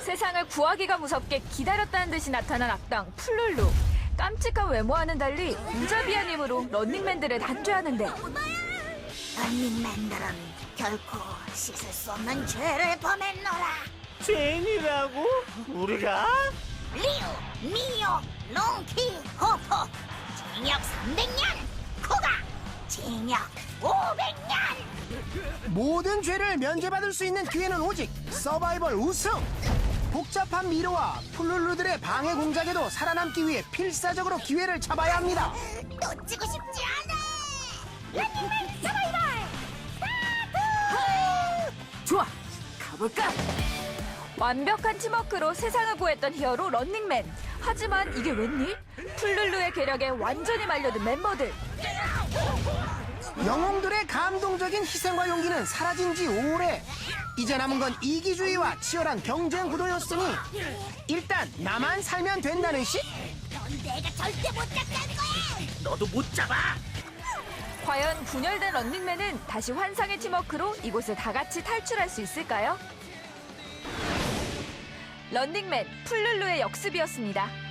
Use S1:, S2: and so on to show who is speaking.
S1: 세상을 구하기가 무섭게 기다렸다는 듯이 나타난 악당 풀룰루. 깜찍한 외모와는 달리 무자비한 힘으로 런닝맨들을 단죄하는데
S2: 런닝맨들은 결코 씻을 수 없는 죄를 범했노라.
S3: 죄인이라고? 우리가?
S2: 리우, 미오, 롱키, 호포 징역 300년, 코가 징역 500년.
S4: 모든 죄를 면제받을 수 있는 기회는 오직 서바이벌 우승! 복잡한 미로와 풀룰루들의 방해 공작에도 살아남기 위해 필사적으로 기회를 잡아야 합니다.
S2: 놓치고 싶지 않아. 런닝맨 서바이벌
S1: 좋아, 가볼까? 완벽한 팀워크로 세상을 구했던 히어로 런닝맨. 하지만 이게 웬일? 풀룰루의 계략에 완전히 말려든 멤버들.
S4: 영웅들의 감동적인 희생과 용기는 사라진 지 오래. 이제 남은 건 이기주의와 치열한 경쟁 구도였으니 일단 나만 살면 된다는 식?
S2: 넌 내가 절대 못 잡게 거야.
S3: 너도 못 잡아!
S1: 과연 분열된 런닝맨은 다시 환상의 팀워크로 이곳을 다 같이 탈출할 수 있을까요? 런닝맨 풀룰루의 역습이었습니다.